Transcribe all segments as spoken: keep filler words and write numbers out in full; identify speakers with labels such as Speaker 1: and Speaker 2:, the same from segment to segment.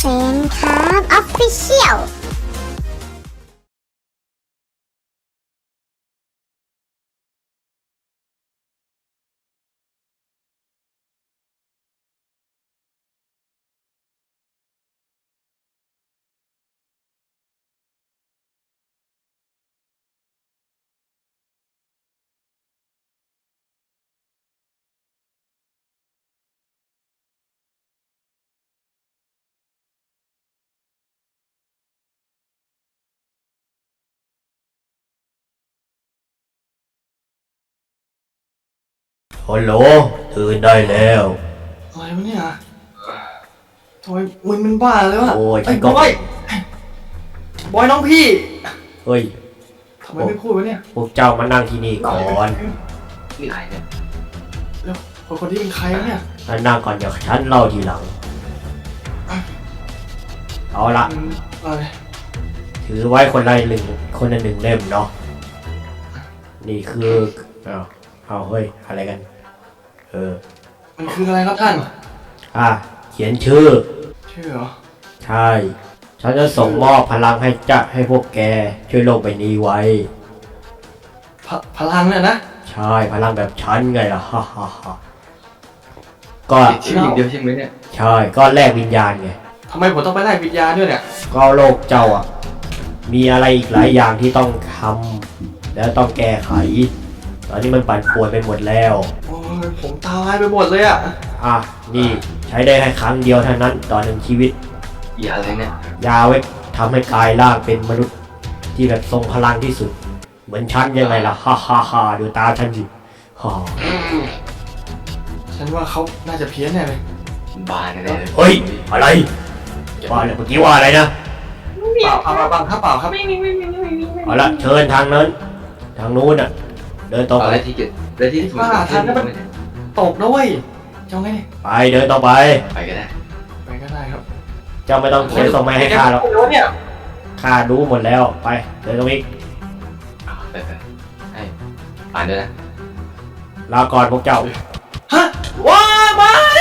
Speaker 1: ฟนครับออฟฟิเชียล
Speaker 2: ฮัลโหลตื่นได้แล้ว
Speaker 3: อะไรวะเนี่ยทำไมมึงมันบ้าเลยวะ
Speaker 2: โอ้ย
Speaker 3: ไอ้
Speaker 2: ก็
Speaker 3: บอยบอยน้องพี่
Speaker 2: เฮ้ย
Speaker 3: ทำไมไม่พูดวะเนี่ย
Speaker 2: พวกเจ้ามานั่งที่นี่ก่อน
Speaker 4: นี่ใครเนี่ย
Speaker 3: แล้วคนคนที่เป็นใครวะเนี่ย
Speaker 2: มานั่งก่อนเดี๋ยวฉันเล่าทีหลังเอาละ
Speaker 3: อืมอะไร
Speaker 2: ถือไว้คนละหนึ่งคนละหนึ่งเล่มเนาะนี่คือเอาเอาเฮ้ยอะไรกันเออ
Speaker 3: มันคืออะไรครับท่าน
Speaker 2: อ่ะเขียนชื่อ
Speaker 3: ชื่อเหรอ
Speaker 2: ใช่ฉันจะส่งมอบพลังให้จะให้พวกแกช่วยโลกใบนี้ไว้
Speaker 3: พพลังเนี่ยนะ
Speaker 2: ใช่พลังแบบฉันไงล่ะฮ่าฮ่าฮ่าก็
Speaker 4: ติดชื่ออย่างเดียวใช่ไหมเนี่ย
Speaker 2: ใช่ก็แลกวิญญาณไง
Speaker 3: ทำไมผมต้องไปไล่วิญญาณด้วยเนี่ย
Speaker 2: ก็โลกเจ้าอ่ะมีอะไรอีกหลายอย่างที่ต้องทำแล้วต้องแก้ไขตอนนี้มันปั่นป่วนไปหมดแล้ว
Speaker 3: โอ้ยผมตาลายไปหมดเลยอ่ะ
Speaker 2: อ่ะนี่ใช้ได้แค่ครั้งเดียวเท่านั้นต่อหนึ่งชีวิต
Speaker 4: อย่าอะไรเนี่ย
Speaker 2: ยาไว้ทำให้กายร่างเป็นมนุษย์ที่แบบทรงพลังที่สุด เหมือนฉันยังไงล่ะฮ่าฮ่าฮ่าดูตาฉันสิฮ่า
Speaker 3: ฉันว่าเขาน่าจะเพี้ยนแน่เลย
Speaker 4: บ้าแน่ๆเลย
Speaker 2: เฮ้ยอะไรว่าอะไรเมื่อกี้ว่าอะไรนะ
Speaker 3: เปล่าเปล่าเปล่าครับเปล่าครับ
Speaker 5: ไม่มีไม่มีไม่มีไม่มี
Speaker 2: เอาละเชิญทางนั้นทางนู้นน่ะเดินตรง
Speaker 4: เอา
Speaker 2: ไป
Speaker 4: อะไรที่เกิดอะไรที่ถูกต้องขึ้นมาเนี่ย
Speaker 3: ตกนะเว้ยเจ้าไง
Speaker 2: ไปเดินต่อไป
Speaker 4: ไปก็ได้
Speaker 3: ไปก็ได้ครับ
Speaker 2: เจ้าไม่ต้องเขียนส่งมาให้ข้าหรอก
Speaker 3: แล้วเนี่ย
Speaker 2: ข้ารู้หมดแล้วไปเดินตรงนี้
Speaker 4: เอาไปไปให้อ่านด้วยนะ
Speaker 2: ลาก่อนพวกเจ้า
Speaker 3: ฮะว้าไม่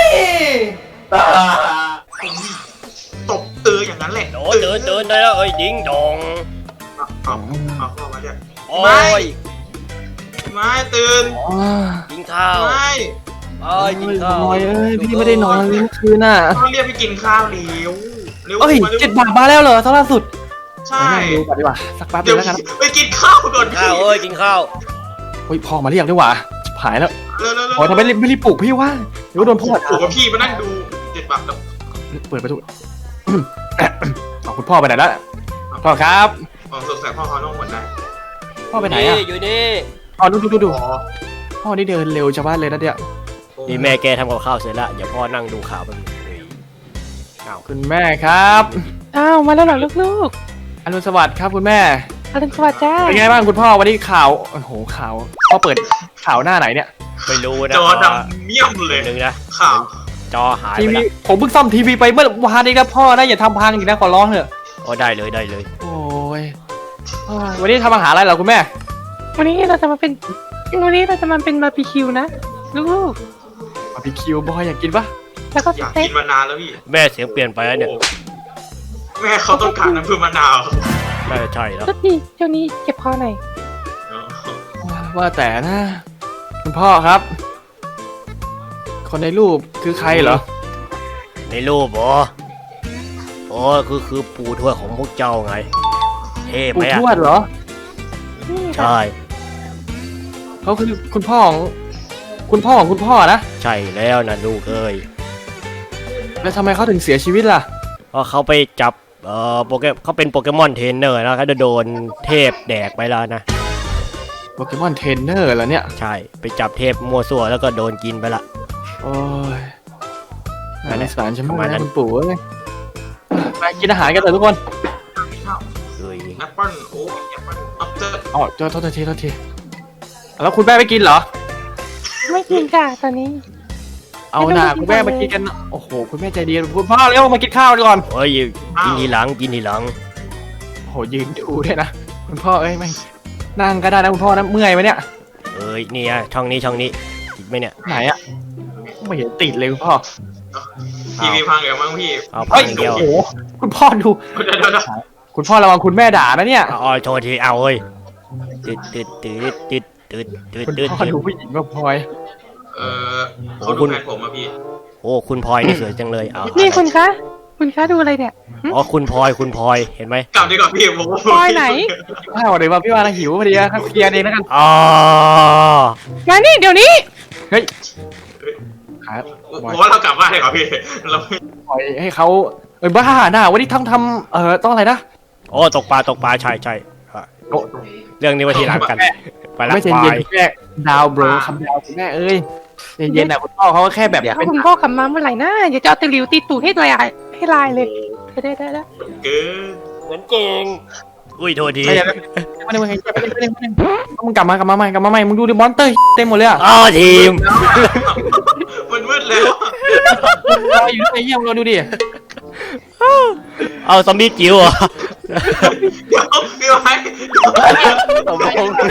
Speaker 6: ตบเอออย่างนั้นแหละ
Speaker 2: โดนเดินเดินได้แล้วเอ้ยยิงดอง
Speaker 6: เอาเอาเข้ามาเนี่ย
Speaker 2: โอ้ย
Speaker 6: ไม่ตื่น
Speaker 2: กินข้าว
Speaker 6: ไม่
Speaker 2: เอ้ยกินข้าว
Speaker 3: บอยเอ้ยพี่ไม่ได้นอนเลยเมื่อคืนน่ะ
Speaker 6: ต้องเรียกไปกินข้าวเร็วเร็ว
Speaker 3: เอ้ย
Speaker 6: มาร็ว
Speaker 3: เจ็ดบาทมาแล้วเหรอตอนล่าสุด
Speaker 6: ใช่
Speaker 3: ไปนั่งดูก่อนดีกว่าสักแป๊บเดี
Speaker 6: เดี๋
Speaker 3: ย
Speaker 6: ยว
Speaker 3: วแล้วกัน
Speaker 6: ไปกินข้าวก่อน
Speaker 2: ข้าวเอ้ยกินข้าว
Speaker 3: เฮ้ยพ่อมาเรียกดีกว่าหายแล้ว
Speaker 6: เร็วเร็วเร็ว
Speaker 3: โอ้ยทำไมไม่รีบปลุกพี่วะเดี๋ยวโดนพ่อ
Speaker 6: ถูกกับพี่มานั่งดูเจ็ดบาทแล้ว
Speaker 3: เปิดประตูเอาคุณพ่อไปไหนแล้วพ่อครับ
Speaker 6: อ๋อสงสัยพ่อเขาต้องหมดได้
Speaker 3: พ่อไปไหนอ่ะ
Speaker 2: อยู่นี่
Speaker 3: อ๋อดูดูดูดู
Speaker 6: อ๋อ
Speaker 3: พ่อนี่เดินเร็วชาวบ้านเลยนะเนี่ย
Speaker 2: นี่แม่แกทำกับข้าวเสร็จแล้วเดี๋ยวพ่อนั่งดูข่าวไปบนึงอ้าว
Speaker 3: คุณแม่ครับ
Speaker 5: อ้าวมาแล้วเหรอลูก
Speaker 3: อรุณสวัสดิ์ครับคุณแม่
Speaker 5: ๆอรุณสวัสดิ์จ้า
Speaker 3: เป็นไงบ้างคุณพ่อวันนี้ข่าวโอ้โหข่าวพ่อเปิดข่าวหน้าไหนเนี่ย
Speaker 2: ไม่รู้นะ
Speaker 6: จอดำเมี่ยมเลย
Speaker 2: หนึ่งนะ
Speaker 6: ข่าว
Speaker 2: จอหาย
Speaker 3: ที
Speaker 2: ไป
Speaker 3: วี
Speaker 2: แล้ว
Speaker 3: ผมเพิ่งซ่อมทีวีไปเมื่อวานนี้นะพ่อนะอย่าทำพังอีกนะขอร้องเถอะ
Speaker 2: โอ้ได้เลยได้เลย
Speaker 3: โอ้ยโอ้ยวันนี้ทำอาหารอะไรเหรอคุณแม่
Speaker 5: วันนี้เราจะมาเป็นวันนี้เราจะมาเป็นบาร์บีคิวนะลูก
Speaker 3: บาร์บีคิวบอยอยากกินปะ
Speaker 5: ๆแล้วก็
Speaker 6: อ
Speaker 5: ส
Speaker 6: ยาก
Speaker 5: เต็
Speaker 6: กิ
Speaker 5: ก
Speaker 6: นมานานแล้วพี่
Speaker 2: แม่เสียงเปลี่ยนไปแล้วเนี่ย
Speaker 6: โอ้แม่เขาต้องการน้ำผึ้งมะนาว
Speaker 2: น่าจะใช่แล้ว
Speaker 5: ก็ดีเจ้านี้เก็บคอหน่อย
Speaker 6: อ๋อ
Speaker 3: ว่าแต่นะ คุณพ่อครับ คนในรูปคือใครเหรอ
Speaker 2: ในรูปเหรอโอ้คือคือปู่ทวดของพวกเจ้าไงเท่ไหม
Speaker 3: ปู่
Speaker 2: อ่ะ
Speaker 3: ทวดเหรอ
Speaker 5: นี่ค่ะ
Speaker 2: ใช่
Speaker 3: เขาคือคุณพ่อของคุณพ่อของคุณพ่อนะ
Speaker 2: ใช่แล้วนะลูกเอ้ย
Speaker 3: แล้วทำไมเขาถึงเสียชีวิตล่ะ
Speaker 2: เพราะเขาไปจับเอ่อโปเกเขาเป็นโปเกมอนเทรนเนอร์แล้วเขาจะโดนเทพแดกไปแล้วนะ
Speaker 3: โปเกมอนเทรนเนอร์เหรอเนี่ย
Speaker 2: ใช่ไปจับเทพมั่วซั่วแล้วก็โดนกินไปละ
Speaker 3: โอ้ย
Speaker 2: นั่นแห
Speaker 3: น่า
Speaker 2: ละ
Speaker 3: สงสารฉัน
Speaker 2: ประ
Speaker 3: มาก
Speaker 2: มาณนั้
Speaker 3: นะ
Speaker 2: น
Speaker 3: คุณปู่เอ้ยไปกินอาหารกันเถอะทุกคน
Speaker 2: เอ้ย
Speaker 6: แอปเปิ้ลโอ้แอปเปิ้ลอัปเตอร์
Speaker 3: อ๋อโทษโทษทีโทษทีแล้วคุณแม่ไม่กินเหรอ
Speaker 5: ไม่กินจ้าตอนนี้
Speaker 3: เอาหน่าคุณแม่มากินกันโอ้โหคุณแม่ใจดีคุณพ่อเร็วมากินข้าวดีก่อน
Speaker 2: เฮ้ยกินทีหลังกินทีหลัง
Speaker 3: โอ้โหยืนดูด้วยนะคุณพ่อเอ้ยไม่นั่งก็ได้นะคุณพ่อนะเมื่อยไหมเนี่ย
Speaker 2: เอ้ยนี่อะช่องนี้ช่องนี้ติดไหมเนี่ย
Speaker 3: ไหนอะไม่เห็นติดเลยคุณพ่อ
Speaker 6: ทีวีพังเดี๋ยวมั้งพี่
Speaker 2: เอาพั
Speaker 3: เฮ้ย
Speaker 2: งเดียว
Speaker 3: โอ้โหคุณพ่อดู
Speaker 6: เดี๋ยวเดี๋ยวเดี๋ยว
Speaker 3: คุณพ่อระวังคุณแม่ด่านะเนี่ย
Speaker 2: เอาเอาโทษทีเอาเฮ้ยตืดตืดตืดตืดตืดตืด
Speaker 3: คุณ
Speaker 2: ตืด
Speaker 3: พ่อดูผู้หญิงแบบพลอย
Speaker 6: เออเขาดูแฟนผมอะพี่
Speaker 2: โอ้คุณพลอยนี่สวยจังเลยเอา
Speaker 5: นี่คุณคะ คุณคะดูอะไรเนี่ย
Speaker 2: อ๋อคุณพลอยคุณพลอยเห็นไหม
Speaker 6: กลับดีกว่าพี่ผม
Speaker 5: พลอยไหน
Speaker 3: ข้าวเดี๋ยวมาพี่วานะหิวพอดีครับเคลียร์เองแล้วกัน
Speaker 2: อ๋อ
Speaker 5: มานี่เดี๋ยวนี้
Speaker 3: เฮ้ยครับ
Speaker 6: ผมว่าเรากลับบ้านดีกว่าพี่เราไม่
Speaker 3: ปล่อยให้เขาเอ้ยบ้าหน้าวันนี้ทั้งทำเอ่อต้องอะไรนะ
Speaker 2: โอ้ตกปลาตกปลาใช่ใช่อ่ะ
Speaker 3: โอ้
Speaker 2: เรื่องนี้ไว้ทีหลังกันไปละ
Speaker 3: ไม่เย็น
Speaker 2: ไป
Speaker 3: เย็นแม่ดาวโบรคำดาวคุณแม่เอ้ยเย็นเย็นๆนะคุณพ่อเขาก็แค่แบบ
Speaker 5: เดี๋ยว
Speaker 3: เป็น
Speaker 5: คุณพ่อกลับมาเมื่อไหร่นะเดี๋ยวจะเอาตะหลิวตีตูดให้ลายให้ลายเลยได้ได้ได้
Speaker 6: เกิน
Speaker 2: เหมือนเก่งอุ้ยโทษที
Speaker 3: ใช่แล้วไม่ได้ไม่ได้ไม่ได้ไม่ได้ไม่ได้มึงกลับมากลับมาใหม่กลับมาใหม่มึงดูดิมอนเตอร์เต็มหมดเลยอ่ะ
Speaker 2: อ๋อทีม
Speaker 6: มันมืดแล้ว
Speaker 3: รออยู่ไอ้เหี้ยมึงรอดูดิ
Speaker 2: เอาซอมบี้จิ๋วเหรอ
Speaker 6: เดี๋ยวพี่ไว้
Speaker 2: สมพงษ์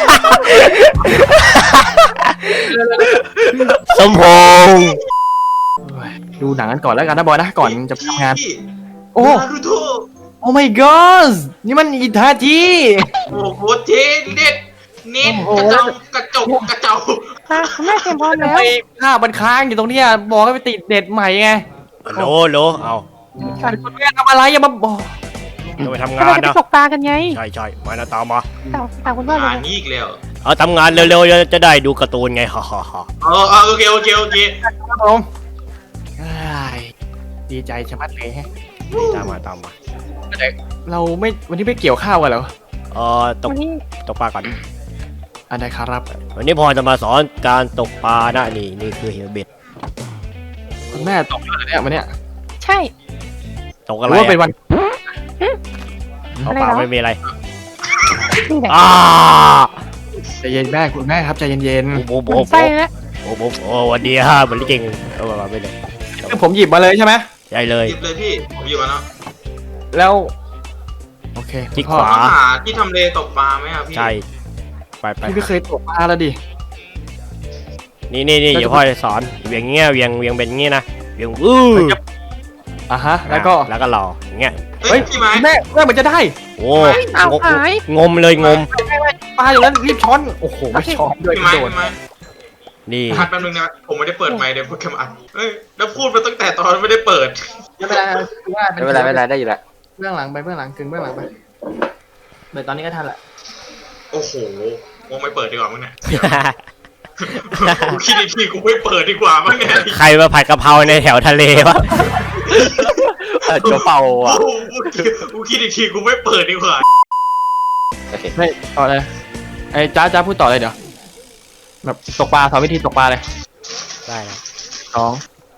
Speaker 2: สมพงษ์
Speaker 3: ดูหนังกันก่อนแล้วกันนะบอยนะก่อนจะไปทำงาน โอ้
Speaker 6: นารูโต
Speaker 3: โอ้ my god นี่มันอิทาจิ
Speaker 6: โอ้โหเจ๊เด็ดเน็ตกระเจ้ากระจกกระเจ้า
Speaker 5: ค่ะคุณแม่เตรียมพร้อม
Speaker 3: ทำ
Speaker 5: แล้ว
Speaker 3: ไมภาพมันค้างอยู่ตรงเนี้ยบอกให้ไปติดเน็ตใหม่ไง
Speaker 2: โหลโหลเอา
Speaker 3: คุณแม่ทำอะไรอย่ามาบอก
Speaker 2: จะไปทำ
Speaker 5: เรา
Speaker 2: งาน
Speaker 5: จะไป
Speaker 2: นะ
Speaker 5: ตกปลากันไง
Speaker 2: ใช่ใช่มานะตามมา
Speaker 5: ตามตามคุณพ่อเล
Speaker 6: อ่าย นี่อีกแล้ว
Speaker 2: เอาทำงานเร็วๆจะได้ดูการ์ตูนไงฮ่าฮ่าฮ่า
Speaker 6: เออเออโอเคโอเคโอเค
Speaker 3: ครับผมอ้ายดีใจชะมัดเลยฮะ
Speaker 2: นี่ตามมาตามมา
Speaker 3: เราไม่วันนี้ไม่เกี่ยวข้าวกันเหรอ
Speaker 2: เออตก
Speaker 5: วันนี้
Speaker 2: ตกปลาก่อน
Speaker 3: อันใดครับ
Speaker 2: วันนี้พอจะมาสอนการตกปลานะนี่นี่คือเฮลเบ็ด
Speaker 3: คุณแม่ตกแล้วเหรอเนี่ยวันเนี้ย
Speaker 5: ใช่
Speaker 2: ตก
Speaker 3: ห
Speaker 2: อะ
Speaker 3: รื
Speaker 2: ไร
Speaker 3: อว่าเป็น
Speaker 2: อะ
Speaker 3: วัน
Speaker 2: เอาปลาไม่มีอะไร
Speaker 5: นี่แหละ
Speaker 2: อ้า
Speaker 3: ใจเย็นแม่คุณแม่ครับใจเย็น
Speaker 2: โอ้โห
Speaker 5: ห
Speaker 2: โอ้
Speaker 5: มัน
Speaker 2: โห
Speaker 5: ไส้แล้ว
Speaker 2: โอ้โหโอ้วันดีฮะเหมือนเก่งเอามาไม่เลย
Speaker 3: ๆคือผมหยิบมาเลยใช่ไหม
Speaker 2: ใหญ่เลย
Speaker 6: หยิบเลยพี่ผมหยิบมาแล้ว
Speaker 3: แล้วโอเค
Speaker 2: ที่
Speaker 3: พ่อ
Speaker 2: ขวา
Speaker 6: ต้องหาที่ทำเลตกปลาไหมครับพี่
Speaker 2: ใช่ไปไป
Speaker 3: พี่ไม่เคยตกปลาแล้วดิ
Speaker 2: นี่นี่นี่เดี๋ยวพ่อจะสอนเวียงเงี้ยเวียงเวียงเป็นงี้นะเวียงวู้
Speaker 3: อ่ะฮะแล้วก็
Speaker 2: แล้วก็รออย่างเงี้ย
Speaker 6: เฮ้ยพี่ไม้
Speaker 3: แม่แม่เหมือนจะได้
Speaker 2: โอ้
Speaker 5: เอา
Speaker 2: งม
Speaker 5: หาย
Speaker 2: งมเลยงม
Speaker 3: ปลาอย่างนั้นรีบช้อนโอ้โหไม่ช้อนด้วย
Speaker 6: พี่
Speaker 3: ก
Speaker 6: ไม้
Speaker 3: ระโดด
Speaker 6: พี่ไม้
Speaker 2: นี่
Speaker 6: พัดแป๊บนึงนะผมไม่ได้เปิดไมค์เดี๋ยวโปรแกรมอัดเฮ้ยแล้วพูดมาตั้งแต่ตอนไม่ได้เปิด
Speaker 3: ไม่เป็นไรคือว่า
Speaker 7: ไม่เป็นไรไม่เป็นไรได้อยู่แล้ว
Speaker 3: เบื้องหลังไปเบื้องหลังกึ่งเบื้องหลังไปเดี๋ยวตอนนี้ก็ทันละ
Speaker 6: โอ้โหวงไม่เปิดดีกว่ามั้งเนี่ยกูคิดอีกทีกูไม่เปิดดีกว่ามั้งเนี่ย
Speaker 2: ใครมาผัดกะเพราในแถวทะเลวะ
Speaker 7: โจเป่าอ่ะ
Speaker 6: โอ้โหกูคิดอีกทีกูไม่เปิดดีกว่า
Speaker 7: โอเค
Speaker 3: ไม่ต่อเลยไอ้จ้าจ้าพูดต่อเลยเดี๋ยวแบบตกปลาสอนวิธีตกปลาเลย
Speaker 2: ได้นะ
Speaker 3: สอง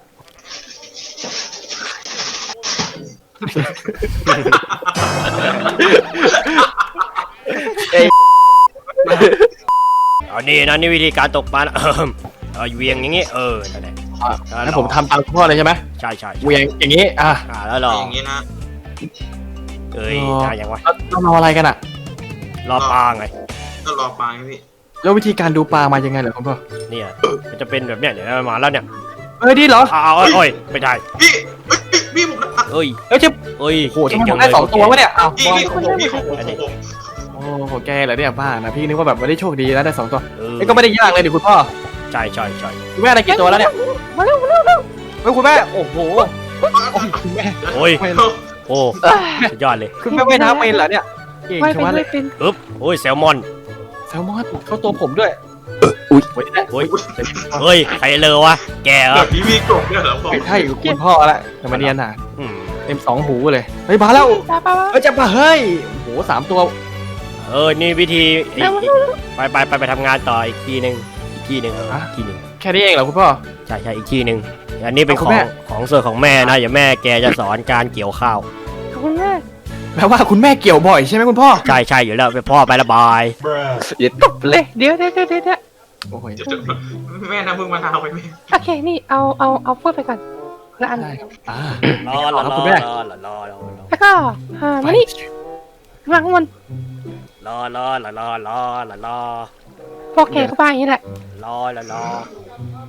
Speaker 2: เอานี่นะนี่วิธีการตกปลานะ เออเอาเวียงอย่างงี้เออนั่นแหละ
Speaker 3: งั้นผมทำตามคุณพ่อเลยใช่ไหม
Speaker 2: ใช่ใช่
Speaker 3: เหวียงอย่างนี้อ่ะ
Speaker 2: อ่าแล้วรอ
Speaker 6: อย่างนี้นะ
Speaker 2: เอ้ย
Speaker 3: อ๋อ
Speaker 2: ได้ยังวะ
Speaker 3: แล้วเรารออะไรกันอ่ะ
Speaker 2: รอปลาไง
Speaker 6: ก็รอปลาไงพี่
Speaker 3: แล้ววิธีการดูปลามายังไงเหรอคุณพ่อ
Speaker 2: เนี่ยมันจะเป็นแบบเนี้ยเดี๋ยวมาแล้วเนี่ย
Speaker 3: เออดีเหรอ
Speaker 2: อ้าวโอ้ยไม่ได้
Speaker 6: พี่เฮ้ยพี่ผมนะ
Speaker 2: เอ้ย
Speaker 3: แล้วจะ
Speaker 2: เอ้ย
Speaker 3: โอ้โหทำไมผมได้สองตัววะเนี่ยอ้าว
Speaker 6: พี่พี่ของผมพี่ของผมของผม
Speaker 3: โอ้โหแกเหรอเนี่ยบ้านะพี่นึกว่าแบบไม่ได้โชคดีแล้วได้สองตัว
Speaker 2: เออ
Speaker 3: ไอ้ก็ไม่ได้ยากเลยดิคุณพ่อ
Speaker 2: ใช่ใช่ใช่
Speaker 3: คุณแม่ได้กี่ตัวแล้วเนี่ย
Speaker 5: มาเร็วมาเร็วเร็ว
Speaker 3: เฮ้ยคุณแม่โอ้โหโอ้ยคุณแม่
Speaker 2: โอ้ย
Speaker 3: ไม่
Speaker 2: โอ้สุดยอดเลย
Speaker 3: คุณแม่ไม่น้ำเป็นเหรอเนี่ยเก่ง
Speaker 5: ไม่
Speaker 3: ชะ
Speaker 5: เป็น
Speaker 3: มัดเล
Speaker 5: ไม่
Speaker 3: ย
Speaker 5: เป็น
Speaker 2: ปึ๊บโอ้ยแซลมอน
Speaker 3: แซลมอนเข้าตัวผมด้วยอุ้ยไม่ได้
Speaker 2: โอ้ยเฮ้ยใครเลยวะแกเหร
Speaker 6: แบ
Speaker 2: อบ
Speaker 6: นี้มีกบเนี่ยเหรอผม
Speaker 3: ไม่ใช่คุณพ่อละแต่มาเนียนอ่ะ
Speaker 2: อืม
Speaker 3: เต็มสองหูเลยเฮ้ยมาแล้ว
Speaker 5: ปลาปลา
Speaker 3: เฮ้ยจะมาเฮ้ยโอ้โหสามตัว
Speaker 2: เออนี่วิธีอีกอีกไปไปไปไปทำงานต่ออีกทีหนึ่งอีกทีหนึ่งเอออีกทีหนึ่ง
Speaker 3: แค่นี้เองเหรอคุณพ่อ
Speaker 2: ใช่ใช่อีกทีหนึ่งอันนี้เป็น
Speaker 3: เอา
Speaker 2: ข
Speaker 3: คุ
Speaker 2: อง
Speaker 3: ณแม่
Speaker 2: ของส่วนของแม่นะอย่าแม่แกจะสอนการเกี่ยวข้าว
Speaker 5: ขอบคุณมาก
Speaker 3: แปลว่าคุณแม่เกี่ยวบ่อยใช่ไหมคุณพ่อ
Speaker 2: ใช่ใช่อยู่แล้วไปพ่อไประบาย
Speaker 7: ยึดตบเลย
Speaker 5: เดี๋ยวเดี๋ยวเดี๋ยวเดี๋ยว
Speaker 3: โอ้ย
Speaker 6: จะจะแม่น้ำพึ่งมะนาวไปแม่
Speaker 5: โอเคนี่เอาเอาเอาพวกไปก่อนคนละอัน
Speaker 3: ได้ครับอ่าร
Speaker 2: อรอ
Speaker 3: ครั
Speaker 2: ร
Speaker 3: บ
Speaker 2: อ
Speaker 3: คุณแม่
Speaker 2: รอรอรอรอ
Speaker 5: แล้วก็อ่ามานี่วางข้างบน
Speaker 2: รอรอรอรอรอรอรอ
Speaker 5: พวกแกก็บ้าอย่างนี้แหละ
Speaker 2: รอรอรอ
Speaker 5: ว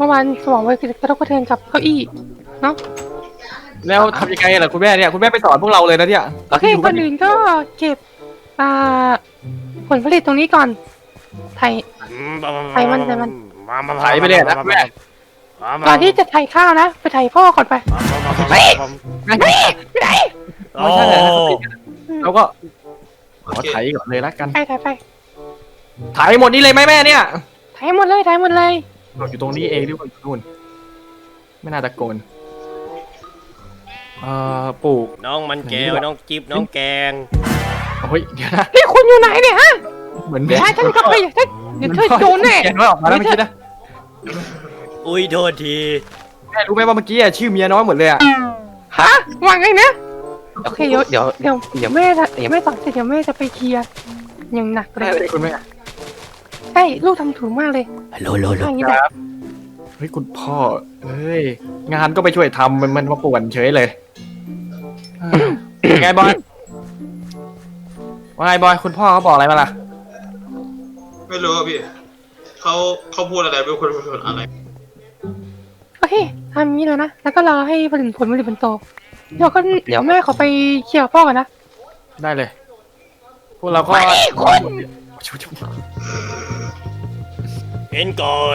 Speaker 5: มื่อวานสมองไปกระทบกระเทือนกับเก้าอี้เนาะ
Speaker 3: แล้วทำยังไงล่ะคุณแม่เนี่ยคุณแม่ไปสอนพวกเราเลยนะเนี่ย
Speaker 5: โอเคคนอื่นก็เก็บอ่าผลผลิตตรงนี้ก่อนไถไถมันไถมัน
Speaker 3: ไถไปเลยนะแม่
Speaker 5: ก่อนที่จะไถข้าวนะไปไถพ่อก่อนไป
Speaker 3: ไม่ไม่ไม่ได้ไม่ใช่เลยเราก็ขอไถก่อนเลยละกัน
Speaker 5: ไปไถไป
Speaker 3: ไถหมดนี่เลยไหมแม่เนี่ย
Speaker 5: ไถหมดเลยไถหมดเลย
Speaker 3: อยู่ตรงนี้เองหรือว่าอยู่นู่นไม่น่าตะโกนเอ่อปลูก
Speaker 2: น้องมันแก้วน้องจิ๊บน้องแกง
Speaker 3: เฮ้ยเดี๋ยวนะ
Speaker 5: นี่คุณอยู่ไหนเนี่ยฮะ
Speaker 3: เหมือน
Speaker 5: ใช่ฉันก็ไปฉันเดี๋ยวเธอโดนแน่
Speaker 3: เขียนไว้ออกมาแล้วเมื่อกี้นะ
Speaker 2: อุ้ยโทษที
Speaker 3: แม่รู้ไหมว่าเมื่อกี้อะชื่อเมียน้อยหมดเลยอะ
Speaker 5: ฮะว่าไงนะโอเคเดี๋ยว
Speaker 7: เดี๋ยว
Speaker 5: เดี๋ยว
Speaker 7: เดี๋ยว
Speaker 5: แม่จะแม่สอนเสร็จเดี๋ยวแม่จะไปเคลียร์อย่างหนักเล
Speaker 3: แม่
Speaker 5: ย
Speaker 3: เลยคุณแม่
Speaker 5: ใช่ลูกทำถูกมากเลย
Speaker 2: ฮัลโหลโหลโหล
Speaker 5: อย่างนี้แหละ
Speaker 3: เฮ้ยคุณพ่อเฮ้ยงานก็ไปช่วยทำมันมันมาป่วนเฉยเลยไงบอยว่าไงบอยคุณพ่อเขาบอกอะไรมาล่ะ
Speaker 6: ไม่รู้อะพี่เขาเขาพูดอะไรไม่รู้คนพูดอะไร
Speaker 5: โอเคทำอย่างนี้เลยนะแล้วก็รอให้ผลิตผลผลิตมันโตเดี๋ยวก็เดี๋ยวแม่ขอไปเคลียร์กับพ่อกันนะ
Speaker 3: ได้เลยพวกเราก็
Speaker 2: เอ็นก่อย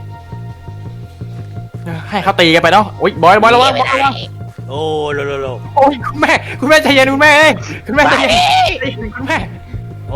Speaker 3: ให้เขาตีกันไปเนาะโอ้ยบอยบอยระวังบอยระวัง
Speaker 2: โอ้โหโหลโหลโหล
Speaker 3: โอ้ยคุณแม่คุณแม่ใจเย็นคุณแม่เอ้ยคุณแม่ใจเย็นคุณแม่
Speaker 2: โอ้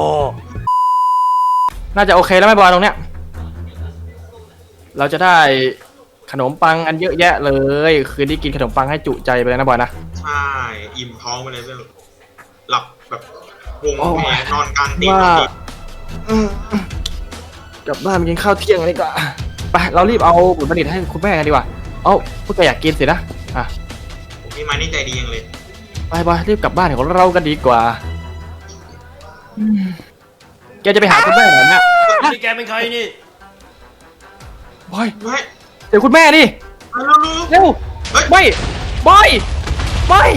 Speaker 3: น่าจะโอเคแล้วไหมบอยตรงเนี้ยเราจะได้ขนมปังอันเยอะแยะเลยคืนนี้กินขนมปังให้จุใจไปเลยนะบอยนะ
Speaker 6: ใช่อิ่มท้องไปเลยเรื่องหลับแบบวง
Speaker 3: โอ้
Speaker 6: เพลงนอนกลางเตียง
Speaker 3: ว่า
Speaker 6: นอนดี
Speaker 3: อืมกลับบ้านไปกินข้าวเที่ยงกันดีกว่าไปเรารีบเอาผลผลิตให้คุณแม่กันดีกว่าเอ้าพวกแกอยากกินสินะอ่ะ
Speaker 6: ผมพี่มานี่ใจดียังเลย
Speaker 3: ไปบอยรีบกลับบ้านของเรากันดีกว่าอืมแกจะไปหาคุณแม่เหรอเนี่ย
Speaker 2: นี่แกเป็นใครนี่
Speaker 3: บอย
Speaker 6: เฮ้ย
Speaker 3: เดี๋ยวคุณแม่ดิ
Speaker 6: มาแล้วลูก
Speaker 3: เร็ว
Speaker 6: เฮ้ย
Speaker 3: ไม่บอยบอย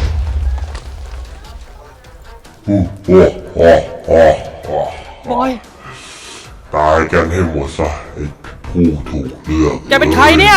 Speaker 3: บอย
Speaker 8: ตายกันให้หมดซะไอ้ผู้ถูกเลือก
Speaker 3: แกเป็นใครเนี่ย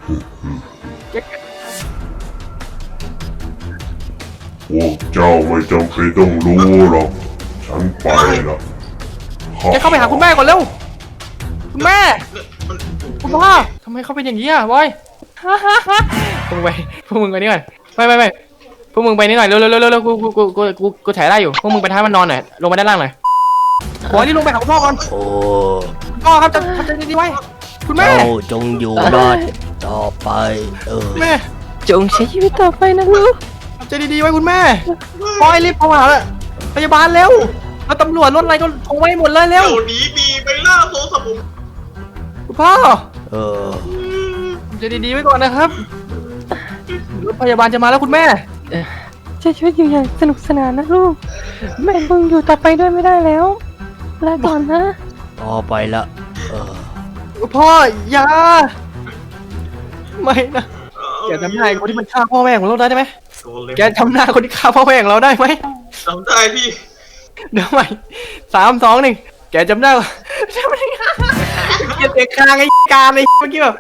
Speaker 8: พวกเจ้าไม่จำเป็นต้องรู้หรอก ฉันไปละ
Speaker 3: แกเข้าไปหาคุณแม่ก่อนเร็ว คุณแม่
Speaker 6: มัน
Speaker 3: คุณพ่อทำไมเขาเป็นอย่างนี้อ่ะบอยพวกมึงไปพวกมึงไปนี่ก่อนไปไปไปพวกมึงไปนี่หน่อยเร็วเร็วเร็วเร็วกูกูกูกูกูกูถ่ายได้อยู่พวกมึงไปท้ายมันนอนหน่อยลงไปด้านล่างหน่อยบอยนี่ลงไปหาคุณพ่อก่อน
Speaker 2: โอ้
Speaker 3: คุณพ่อครับจะทำใจดีๆไว้คุณแม่
Speaker 2: เจ้าจงอยู่รอดต่อไปเออ
Speaker 3: แม่
Speaker 5: จงใช้ชีวิตต่อไปนะลูก
Speaker 3: ทำใจดีๆไว้คุณแม่บอยรีบโทรหาพยาบาลเร็วแล้วตำรวจรถอะไรก็โทรไว้หมดเลยเร็ว
Speaker 6: เดี๋ยวนี้มีไปล่าโซสมุน
Speaker 3: คุณพ่อ
Speaker 2: เออ
Speaker 3: ทำใจดีๆไว้ก่อนนะครับรถพยาบาลจะมาแล้วคุณแม่
Speaker 5: ใช้ชีวิตอยู่อย่างสนุกสนานนะลูกแม่มึงอยู่ต่อไปด้วยไม่ได้แล้วลาก่อนนะ
Speaker 2: ต่อไปละเออ
Speaker 3: พ่ออย่าไม่นะแกจำหน้าไอ้คนที่มันฆ่าพ่อแม่ของเราได้ไหมแกจำหน้าคนที่ฆ่าพ่อแม่ของเราได้ไหม
Speaker 6: จำได้พี่
Speaker 3: เดี๋ยวใหม่สามสองหนึ่งแกจำได้ปะจำไม่ได้เกียร์เตะคางไอ้การไอ้เมื่อกี้แบบ